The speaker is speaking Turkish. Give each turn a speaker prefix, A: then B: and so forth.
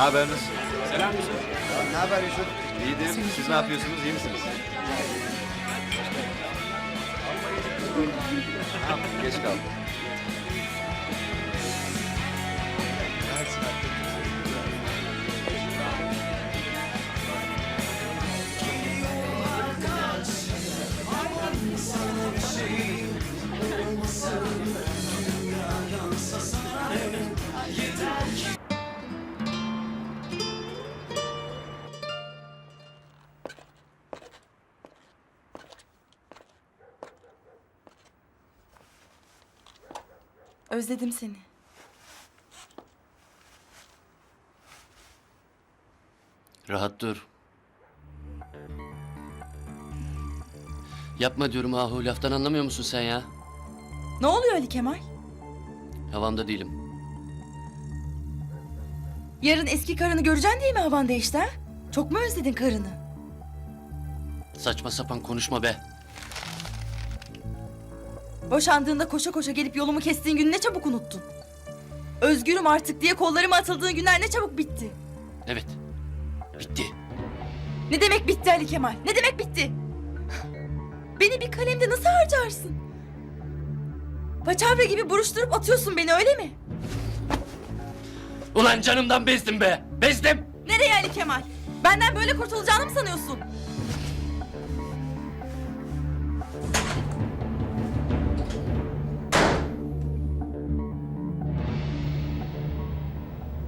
A: haber nasıl?
B: Selam Yusuf.
C: Ne haber Yusuf?
A: İyidir. Siz ne yapıyorsunuz? İyi misiniz? Ha, geç kaldım.
D: Özledim seni.
E: Rahat dur. Yapma diyorum Ahu. Laftan anlamıyor musun sen ya?
D: Ne oluyor Ali Kemal?
E: Havamda değilim.
D: Yarın eski karını göreceksin diye mi havan değişti ha? Çok mu özledin karını?
E: Saçma sapan konuşma be.
D: Boşandığında koşa koşa gelip yolumu kestiğin günü ne çabuk unuttun. Özgürüm artık diye kollarıma atıldığın günler ne çabuk bitti.
E: Evet. Bitti.
D: Ne demek bitti Ali Kemal? Ne demek bitti? Beni bir kalemde nasıl harcarsın? Paçavra gibi buruşturup atıyorsun beni öyle mi?
E: Ulan canımdan bezdim be. Bezdim.
D: Nereye Ali Kemal? Benden böyle kurtulacağını mı sanıyorsun?